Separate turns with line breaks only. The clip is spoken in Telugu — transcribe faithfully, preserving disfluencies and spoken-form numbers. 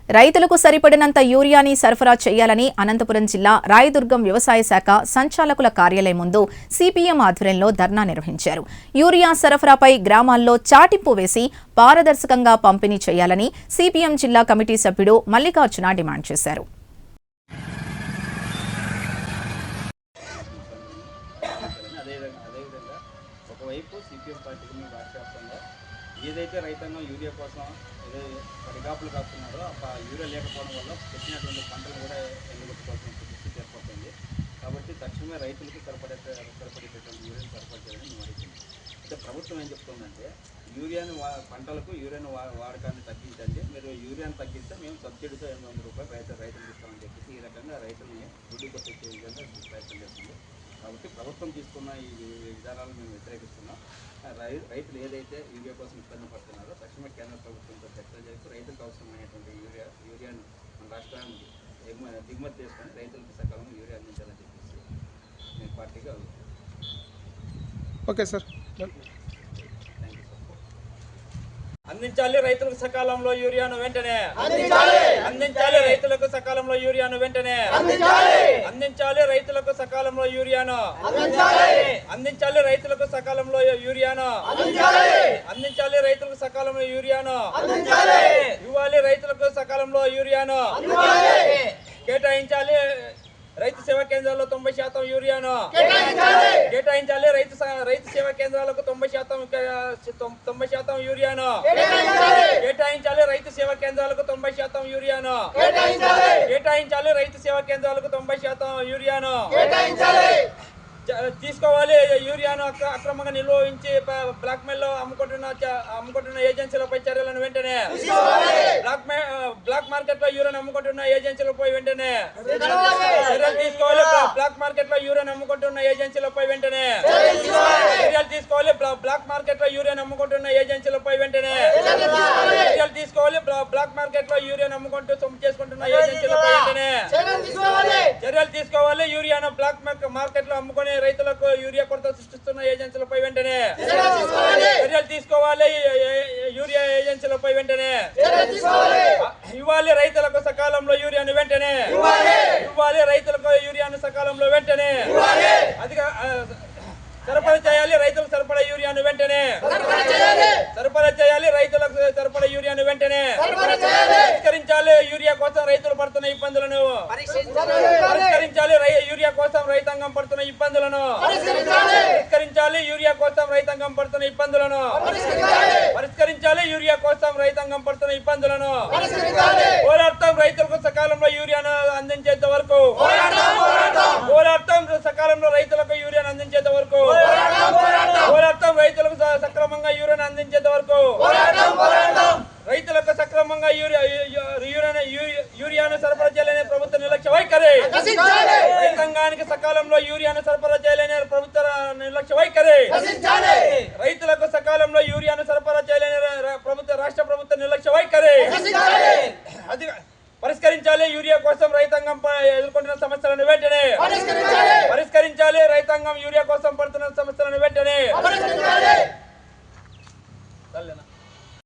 రైతులకు సరిపడినంత యూరియాని సరఫరా చేయాలని అనంతపురం జిల్లా రాయదుర్గం వ్యవసాయ శాఖ సంచాలకుల కార్యాలయం ముందు సిపిఎం ఆధ్వర్యంలో ధర్నా నిర్వహించారు. యూరియా సరఫరాపై గ్రామాల్లో చాటింపు వేసి పారదర్శకంగా పంపిణీ చేయాలని సిపిఎం జిల్లా కమిటీ సభ్యుడు మల్లికార్జున డిమాండ్ చేశారు.
ఏదైతే రైతాంగం యూరియా కోసం ఏదో పడిగాపులు కాస్తున్నారో ఆ యూరియా లేకపోవడం వల్ల పెట్టినటువంటి పంటలు కూడా ఎండగొట్టుకోవాల్సిన పరిస్థితి ఏర్పడుతుంది. కాబట్టి తక్షణమే రైతులకు సరిపడే సరిపడేటటువంటి యూరియాను సరఫరా చేయాలని మేము అడుగుతున్నాం. అయితే ప్రభుత్వం ఏం చెప్తుందంటే యూరియాను వా పంటలకు యూరియాను వా వాడకాన్ని తగ్గించండి, మీరు యూరియాను తగ్గిస్తే మేము సబ్సిడీతో ఎనిమిది వందల రూపాయలు రైతు రైతులకు ఇస్తామని చెప్పేసి ఈ రకంగా రైతుల్ని గుడ్డు కొట్టించే విధంగా ప్రయత్నం చేస్తుంది. కాబట్టి ప్రభుత్వం తీసుకున్న ఈ విధానాలను మేము వ్యతిరేకిస్తున్నాం. రైతులు ఏదైతే యూరియా కోసం ఇబ్బంది పడుతున్నారో తక్షణమే కేంద్ర ప్రభుత్వంతో చర్చలు చేస్తూ రైతులకు అవసరమైనటువంటి యూరియా యూరియాను మన రాష్ట్రానికి దిగుమతి చేసుకొని రైతులకు సకాలంలో యూరియా అందించాలని చెప్పేసి మేము పార్టీగా
ఓకే సార్
అందించాలి. రైతులకు సకాలంలో యూరియాను వెంటనే అందించాలి. రైతులకు సకాలంలో యూరియాను వెంటనే అందించాలి. రైతులకు సకాలంలో యూరియాను అందించాలి. రైతులకు సకాలంలో యూరియాను అందించాలి. రైతులకు సకాలంలో యూరియాను ఇవ్వాలి. రైతులకు సకాలంలో యూరియాను కేటాయించాలి. రైతు సేవా కేంద్రాల్లో తొంభై శాతం యూరియాను కేటాయించాలి. రైతు రైతు సేవా కేంద్రాలకు తొంభై శాతం తొంభై శాతం యూరియాను కేటాయించాలి. రైతు సేవా కేంద్రాలకు తొంభై శాతం యూరియాను కేటాయించాలి. రైతు సేవా కేంద్రాలకు తొంభై శాతం యూరియాను తీసుకోవాలి. యూరియాను అక్రమంగా నిల్వ ఉంచి బ్లాక్ మెయిల్ లో అమ్ముకుంటున్న అమ్ముకుంటున్న ఏజెన్సీలపై చర్యలను వెంటనే బ్లాక్ బ్లాక్ మార్కెట్ లో యూరియాను అమ్ముకుంటున్న ఏజెన్సీలపై వెంటనే చర్యలు తీసుకోవాలి. బ్లాక్ మార్కెట్ లో యూరియాను అమ్ముకుంటున్న ఏజెన్సీలపై వెంటనే చర్యలు తీసుకోవాలి. బ్లాక్ మార్కెట్ లో యూరియాను అమ్ముకుంటున్న ఏజెన్సీలపై వెంటనే చర్యలు తీసుకోవాలి. బ్లాక్ మార్కెట్ లో యూరియాను అమ్ముకుంటూ సొమ్ము చేసుకుంటున్న ఏజెన్సీలపై వెంటనే చర్యలు తీసుకోవాలి. యూరియాను బ్లాక్ మార్కెట్ లో అమ్ముకునే రైతులకు యూరియా కొరత సృష్టిస్తున్న ఏజెన్సీలపై వెంటనే చర్యలు తీసుకోవాలి. యూరియా ఏజెన్సీలపై వెంటనే ఇవ్వాలి. రైతులకు సకాలంలో యూరియాను వెంటనే ఇవ్వాలి. రైతులకు యూరియాను సకాలంలో వెంటనే అధిక సరఫరా చేయాలి. రైతులకు సరిపడే యూరియాను వెంటనే సరఫరా చేయాలి. రైతులకు సరిపడే యూరియాను వెంటనే పరిష్కరించాలి. యూరియా కోసం రైతులు పడుతున్న ఇబ్బందులను పరిష్కరించాలి. యూరియా కోసం రైతాంగం పడుతున్న ఇబ్బందులను పరిష్కరించాలి. యూరియా కోసం రైతాంగం పడుతున్న ఇబ్బందులను పరిష్కరించాలి. యూరియా కోసం రైతాంగం పడుతున్న ఇబ్బందులను పోరాడతాం. రైతులకు సకాలంలో యూరియాను అందించేంత వరకు పోరాడతాం. సకాలంలో రైతులకు యూరియాను అందించేంత వరకు పోరాడతాం. రైతులకు సక్రమంగా యూరియాను అందించేంత వరకు రైతులకు సక్రమంగా యూరియా యూరియాను సరఫరా చేయాలనే ప్రభుత్వ నిర్లక్ష్య వైఖరి రైతాంగానికి సకాలంలో యూరియాను సరఫరా చేయాలనే ప్రభుత్వ నిర్లక్ష్య వైఖరి రైతులకు సకాలంలో యూరియాను సరఫరా చేయాలనే ప్రభుత్వ రాష్ట్ర ప్రభుత్వ నిర్లక్ష్య వైఖరి అది పరిష్కరించాలి. యూరియా కోసం రైతాంగం ఎదుర్కొంటున్న సమస్యలను వెంటనే పరిష్కరించాలి. రైతాంగం యూరియా కోసం పడుతున్న సమస్యలను వెంటనే